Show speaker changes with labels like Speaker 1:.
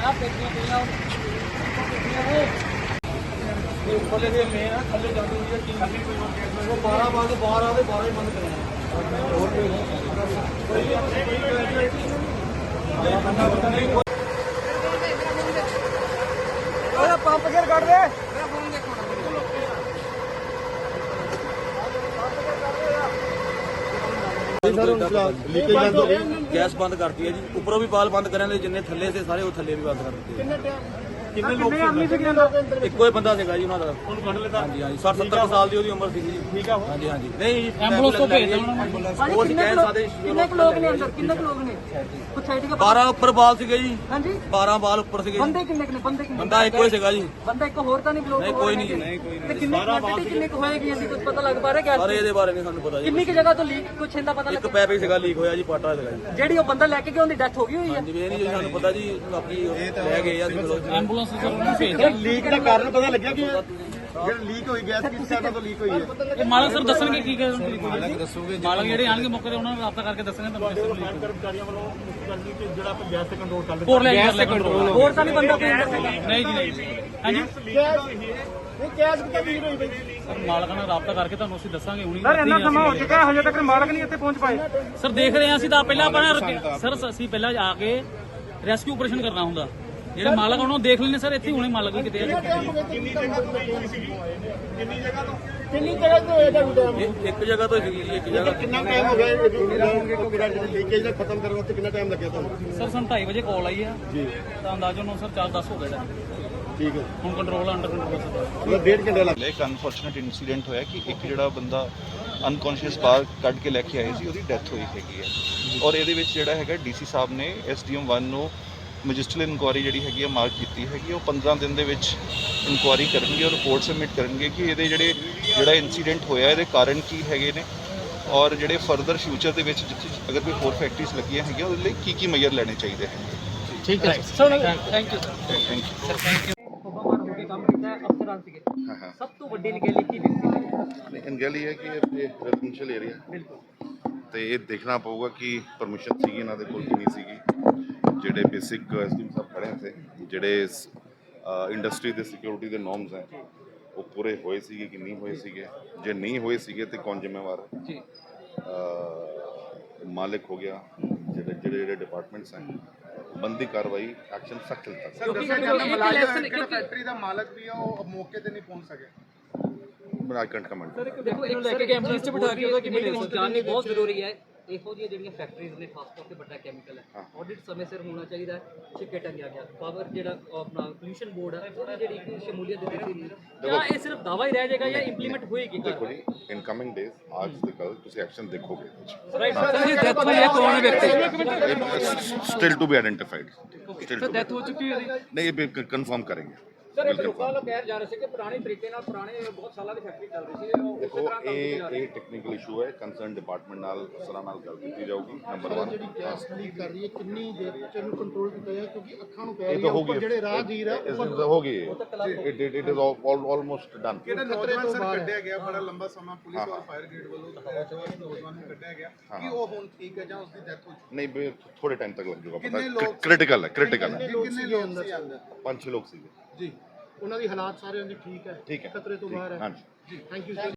Speaker 1: थले दे मेन है थले जाती हुई है टीम वो 12 बंद बाहर आते 12 ही बंद कराना पंप गिर काट दे गैस बंद करती है जी ऊपरों भी बाल बंद करें जिन्ने थले से सारे वो थले भी बंद कर दिते ਇੱਕੋ ਹੀ ਬੰਦਾ ਸੀਗਾ ਜੀ ਉਹਨਾਂ ਦਾ ਹਾਂਜੀ ਹਾਂਜੀ 60 70 ਸਾਲ ਦੀ ਉਹਦੀ ਉਮਰ ਸੀਗੀ ਜੀ ਠੀਕ ਆ ਹਾਂਜੀ ਹਾਂਜੀ ਨਹੀਂ ਐਂਬੂਲੈਂਸ ਤੋਂ ਭੇਜ ਦੇਣਾ ਉਹ ਕਹਿ ਸਕਦੇ
Speaker 2: ਕਿੰਨੇ ਲੋਕ ਨੇ ਅੰਦਰ ਕਿੰਨੇ ਲੋਕ ਨੇ ਕੁਝ ਸਾਈਡ ਕੇ
Speaker 1: 12 ਉੱਪਰ ਬਾਲ ਸੀਗੇ ਜੀ
Speaker 2: ਹਾਂਜੀ
Speaker 1: 12 ਬਾਲ ਉੱਪਰ ਸੀਗੇ
Speaker 2: ਬੰਦੇ ਕਿੰਨੇ ਨੇ
Speaker 1: ਬੰਦਾ ਇੱਕੋ ਹੀ ਸੀਗਾ ਜੀ
Speaker 2: ਬੰਦਾ ਇੱਕ ਹੋਰ ਤਾਂ ਨਹੀਂ ਬਲੋਕ
Speaker 1: ਨਹੀਂ ਕੋਈ ਨਹੀਂ ਨਹੀਂ ਕੋਈ
Speaker 2: ਤੇ ਕਿੰਨੇ ਕੁਆਂਟੀਟੀ ਕਿੰਨੇ ਕੁ ਹੋਏਗੀ ਅਸੀਂ ਕੁਝ ਪਤਾ ਲੱਗ ਪਾ ਰਿਹਾ ਗੈਸ
Speaker 1: ਅਰੇ ਇਹਦੇ ਬਾਰੇ ਨਹੀਂ ਸਾਨੂੰ ਪਤਾ ਜੀ
Speaker 2: ਕਿੰਨੀ ਕਿ ਜਗ੍ਹਾ ਤੋਂ ਲੀਕ ਕੁਝ ਇਹਦਾ ਪਤਾ
Speaker 1: ਇੱਕ ਪੈਪ ਹੀ ਸੀਗਾ ਲੀਕ ਹੋਇਆ ਜੀ ਪਾਟਾ ਸੀਗਾ ਜੀ
Speaker 2: ਜਿਹੜੀ ਉਹ ਬੰਦਾ ਲੈ ਕੇ ਗਿਆ ਉਹਦੀ ਡੈਥ ਹੋ ਗਈ ਹੋਈ ਹੈ
Speaker 1: ਹਾਂਜੀ ਇਹ ਨਹੀਂ ਜੀ ਸਾਨੂੰ ਪਤਾ ਜੀ ਬਾਕੀ ਲੈ ਗਏ ਆ
Speaker 3: ਐਂਬੂਲੈਂਸ ਸਰ ਉਹਨੂੰ ਭੇਜ
Speaker 1: ਲੀਕ ਦਾ ਕਾਰਨ ਪਤਾ ਲੱਗਿਆ ਕਿ ਜਿਹੜਾ ਲੀਕ ਹੋਈ ਗੈਸ ਕਿਸ ਕਾਰਨ ਤੋਂ ਲੀਕ ਹੋਈ ਹੈ
Speaker 3: ਇਹ ਮਾਲਕ ਸਰ ਦੱਸਣਗੇ ਕੀ ਮਾਲਕ ਦੱਸੋਗੇ ਮਾਲਕ ਜਿਹੜੇ ਆਣਗੇ ਮੌਕੇ ਤੇ ਉਹਨਾਂ ਨੂੰ ਰਾਬਤਾ ਕਰਕੇ ਦੱਸਣਗੇ ਤੁਹਾਨੂੰ ਕਿਸ ਤਰ੍ਹਾਂ
Speaker 1: ਕਰਮਚਾਰੀਆਂ ਵੱਲੋਂ ਕਰਨੀ ਕਿ ਜਿਹੜਾ ਆਪਾਂ ਗੈਸ ਤੇ ਕੰਟਰੋਲ ਕਰ
Speaker 3: ਹੋਰ ਲੈ ਕੰਟਰੋਲ
Speaker 2: ਹੋਰ ਤਾਂ ਨਹੀਂ ਬੰਦਾ ਕੋਈ ਅੰਦਰ ਸੀਗਾ
Speaker 3: ਨਹੀਂ ਜੀ ਨਹੀਂ ਹਾਂਜੀ
Speaker 2: ਨਹੀਂ ਗੈਸ ਕਿੱਥੇ ਲੀਕ ਹੋਈ ਬਈ
Speaker 3: ਸਰ ਮਾਲਕਾਂ ਨਾਲ ਰਾਬਤਾ ਕਰਕੇ ਤੁਹਾਨੂੰ ਅਸੀਂ ਦੱਸਾਂਗੇ ਹੁਣੀ
Speaker 2: ਸਰ ਇੰਨਾ ਸਮਾਂ ਹੋ ਚੁੱਕਾ ਹਜੇ ਤੱਕ ਮਾਲਕ ਨਹੀਂ ਇੱਥੇ ਪਹੁੰਚ ਪਾਏ
Speaker 3: ਸਰ ਦੇਖ ਰਹੇ ਹਾਂ ਅਸੀਂ ਤਾਂ ਪਹਿਲਾਂ ਆਪਣਾ ਸਰ ਅਸੀਂ ਪਹਿਲਾਂ ਆ ਕੇ ਰੈਸਕਿਊ ਆਪਰੇਸ਼ਨ ਕਰਨਾ ਹੁੰਦਾ ਜਿਹੜੇ ਮਾਲਕ ਉਹਨਾਂ ਨੂੰ ਦੇਖ ਲੈਣੇ ਸਰ ਇੱਥੇ ਹੁਣੇ ਮਾਲਕ ਵੀ ਕਿਤੇ ਆ
Speaker 1: ਕਿੰਨੀ ਜਗ੍ਹਾ ਤੋਂ
Speaker 2: ਹੋਏਗਾ
Speaker 1: ਇੱਕ ਜਗ੍ਹਾ ਤੋਂ ਸੀਗੀ ਜੀ ਇੱਕ ਜਗ੍ਹਾ
Speaker 4: ਕਿੰਨਾ ਟਾਈਮ ਹੋ ਗਿਆ ਲੀਕੇਜ ਦਾ ਖਤਮ ਕਰਨ ਵਾਸਤੇ ਕਿੰਨਾ ਟਾਈਮ ਲੱਗਿਆ ਤੁਹਾਨੂੰ
Speaker 3: ਸਰ ਸਾਨੂੰ 2:30 ਵਜੇ ਕਾਲ ਆਈ ਆ ਜੀ ਤਾਂ ਅੰਦਾਜ਼ਨ ਸਰ 4:10 ਹੋ ਗਏ ਦਾ
Speaker 4: ਠੀਕ ਹੈ
Speaker 3: ਹੁਣ ਕੰਟਰੋਲ ਅੰਡਰ ਕੰਟਰੋਲ ਸਰ
Speaker 4: ਮਤਲਬ 1.5 ਘੰਟੇ ਲੱਗ
Speaker 5: ਇੱਕ ਅਨਫੋਰਚੂਨੇਟ ਇਨਸੀਡੈਂਟ ਹੋਇਆ ਕਿ ਇੱਕ ਜਿਹੜਾ ਬੰਦਾ ਅਨਕੌਂਸ਼ੀਅਸ ਬਾਹਰ ਕੱਢ ਕੇ ਲੈ ਕੇ ਆਏ ਸੀ ਉਹਦੀ ਡੈਥ ਹੋਈ ਹੈਗੀ ਹੈ ਔਰ ਇਹਦੇ ਵਿੱਚ ਜਿਹੜਾ ਹੈਗਾ ਡੀਸੀ ਸਾਹਿਬ ਨੇ ਐਸਡੀਐਮ 1 ਨੂੰ ਮੈਜਿਸਟਰਲ ਇਨਕੁਆਇਰੀ ਜਿਹੜੀ ਹੈਗੀ ਹੈ ਮਾਰਕ ਕੀਤੀ ਹੈਗੀ ਉਹ 15 ਦਿਨ ਦੇ ਵਿੱਚ ਇਨਕੁਆਇਰੀ ਕਰਨਗੇ ਔਰ ਰਿਪੋਰਟ ਸਬਮਿਟ ਕਰਨਗੇ ਕਿ ਇਹਦੇ ਜਿਹੜਾ ਇਨਸੀਡੈਂਟ ਹੋਇਆ ਇਹਦੇ ਕਾਰਨ ਕੀ ਹੈਗੇ ਨੇ ਔਰ ਜਿਹੜੇ ਫਰਦਰ ਫਿਊਚਰ ਦੇ ਵਿੱਚ ਜਿੱਥੇ ਅਗਰ ਕੋਈ ਹੋਰ ਫੈਕਟਰੀਜ਼ ਲੱਗੀਆਂ ਹੈਗੀਆਂ ਉਹਦੇ ਲਈ ਕੀ ਮੇਜਰ ਲੈਣੇ ਚਾਹੀਦੇ ਹਨ
Speaker 3: ਠੀਕ ਹੈ sir thank you
Speaker 5: thank you
Speaker 2: ਕੰਮ ਕੀਤਾ ਅਫਸਰਾਂ ਸੀਗੇ ਸਭ ਤੋਂ ਵੱਡੀ ਨਿਗਰਾਨੀ ਕੀ ਦਿੱਤੀ
Speaker 4: ਅਨਗੈਲੀ ਹੈ ਕਿ ਇਹ ਰੈਜ਼ੀਡੈਂਸ਼ੀਅਲ ਏਰੀਆ ਤੇ ਇਹ ਦੇਖਣਾ ਪਊਗਾ ਕਿ ਪਰਮਿਸ਼ਨ ਸੀਗੀ ਇਹਨਾਂ ਦੇ ਕੋਲ ਕਿ ਨਹੀਂ ਸੀਗੀ ਜਿਹੜੇ ਬੇਸਿਕ ਐਸਡੀਐਮ ਸਾਹਿਬ ਖੜੇ ਥੇ ਜਿਹੜੇ ਇੰਡਸਟਰੀ ਦੇ ਸਿਕਿਉਰਿਟੀ ਦੇ ਨੋਰਮਸ ਹੈ ਉਹ ਪੂਰੇ ਹੋਏ ਸੀਗੇ ਕਿ ਨਹੀਂ ਹੋਏ ਸੀਗੇ ਜੇ ਨਹੀਂ ਹੋਏ ਸੀਗੇ ਤੇ ਕੌਣ ਜ਼ਿੰਮੇਵਾਰ ਹੈ ਜੀ ਮਾਲਿਕ ਹੋ ਗਿਆ ਜਿਹੜੇ ਡਿਪਾਰਟਮੈਂਟਸ ਹੈ ਬੰਦੀ ਕਾਰਵਾਈ ਐਕਸ਼ਨ ਸਖਤ ਲਿੱਤਾ
Speaker 6: ਫੈਕਟਰੀ ਦਾ ਮਾਲਕ ਵੀ ਆ ਉਹ ਮੌਕੇ ਤੇ ਨਹੀਂ ਪਹੁੰਚ ਸਕਿਆ
Speaker 4: ਆਈ ਕੈਂਟ ਕਮੈਂਟ
Speaker 2: ਦੇਖੋ ਇਹਨੂੰ ਲੈ ਕੇ ਐਂਬੂਲੈਂਸ ਚ ਬਿਠਾ ਕੇ ਉਹਦਾ ਕਿਵੇਂ ਜਾਣਨੀ ਬਹੁਤ ਜ਼ਰੂਰੀ ਹੈ ਇਹੋ ਜਿਹੀਆਂ ਜਿਹੜੀਆਂ ਫੈਕਟਰੀਜ਼ ਨੇ ਖਾਸ ਤੌਰ ਤੇ ਵੱਡਾ ਕੈਮੀਕਲ ਹੈ ਆਡਿਟ ਸਮੇਂ ਸਿਰ ਹੋਣਾ ਚਾਹੀਦਾ ਹੈ ਛਿੱਕੇ ਟੰਗਿਆ ਗਿਆ ਪਾਵਰ ਜਿਹੜਾ ਆਪਣਾ ਪੋਲੂਸ਼ਨ ਬੋਰਡ ਹੈ ਉਹਦੀ ਜਿਹੜੀ ਸ਼ਮੂਲੀਅਤ ਦਿੱਤੀ ਸੀ ਜਾਂ ਇਹ ਸਿਰਫ ਦਾਵਾ ਹੀ ਰਹਿ ਜਾਏਗਾ ਜਾਂ ਇੰਪਲੀਮੈਂਟ ਹੋਏਗੀ
Speaker 4: ਦੇਖੋ ਜੀ ਇਨ ਕਮਿੰਗ ਡੇਜ਼ ਅੱਜ ਤੇ ਕੱਲ ਤੁਸੀਂ ਐਕਸ਼ਨ ਦੇਖੋਗੇ
Speaker 2: ਰਾਈਟ ਸਰ ਇਹ ਡੈਥ ਹੋਈ ਹੈ ਕੌਣ ਵਿਅਕਤੀ
Speaker 4: still to be identified
Speaker 2: sir death ਹੋ ਚੁੱਕੀ ਹੈ
Speaker 4: ਨਹੀਂ ਇਹ ਕਨਫਰਮ ਕਰਾਂਗੇ
Speaker 2: ਸਰ ਇਹ ਲੋਕਾਂ ਨੂੰ ਕਹਿ ਜਾ ਰਹੇ ਸੀ ਕਿ ਪੁਰਾਣੇ ਤਰੀਕੇ ਨਾਲ ਪੁਰਾਣੇ ਬਹੁਤ ਸਾਲਾਂ ਦੀ ਫੈਕਟਰੀ ਚੱਲ ਰਹੀ ਸੀ
Speaker 4: ਦੇਖੋ ਇਹ ਟੈਕਨੀਕਲ ਇਸ਼ੂ ਹੈ ਕੰਸਰਨ ਡਿਪਾਰਟਮੈਂਟ ਨਾਲ ਅਫਸਰਾਂ ਨਾਲ ਗੱਲ ਕੀਤੀ ਜਾਊਗੀ ਨੰਬਰ 1
Speaker 6: ਜਿਹੜੀ ਗੈਸ ਲੀਕ ਕਰ ਰਹੀ ਹੈ ਕਿੰਨੀ ਦੇਰ ਚ ਇਹਨੂੰ ਕੰਟਰੋਲ ਕੀਤਾ ਜਾਏ ਕਿਉਂਕਿ ਅੱਖਾਂ ਨੂੰ ਪੈ
Speaker 4: ਇਹ
Speaker 6: ਰਹੀ
Speaker 4: ਤਾਂ
Speaker 6: ਹੈ
Speaker 4: ਹੋ
Speaker 6: ਉੱਪਰ
Speaker 4: ਗਈ
Speaker 6: ਜਿਹੜੇ ਰਾਹਗੀਰ ਹੈ
Speaker 4: ਹੋ ਗਈ ਇਟ ਇਜ਼ ਆਲਮੋਸਟ ਡਨ
Speaker 6: ਕਿਹੜਾ ਨੌਜਵਾਨ ਸਰ ਕੱਢਿਆ ਗਿਆ ਬੜਾ ਲੰਬਾ ਸਮਾਂ ਪੁਲਿਸ ਔਰ ਫਾਇਰ ਬ੍ਰਿਗੇਡ ਵੱਲੋਂ ਨੌਜਵਾਨ ਨੂੰ ਕੱਢਿਆ ਗਿਆ ਕਿ ਉਹ ਹੁਣ ਠੀਕ ਹੈ ਜਾਂ ਉਸਦੀ ਡੈਥ ਹੋ ਚੁੱਕੀ
Speaker 4: ਨਹੀਂ ਥੋੜੇ ਟਾਈਮ ਤੱਕ ਲੱਗ ਜਾਊਗਾ ਪਤਾ ਕ੍ਰਿਟੀਕਲ ਹੈ
Speaker 6: ਕਿੰਨੇ ਲੋਕ ਸੀ ਅੰਦਰ
Speaker 4: 5-6 ਲੋਕ ਸੀਗੇ
Speaker 6: ਜੀ ਉਹਨਾਂ ਦੀ ਹਾਲਾਤ ਸਾਰਿਆਂ ਦੀ ਠੀਕ ਹੈ
Speaker 4: ਠੀਕ ਹੈ
Speaker 6: ਖਤਰੇ ਤੋਂ ਬਾਹਰ ਹੈ
Speaker 4: ਹਾਂਜੀ
Speaker 6: ਜੀ ਥੈਂਕ ਯੂ ਸਰ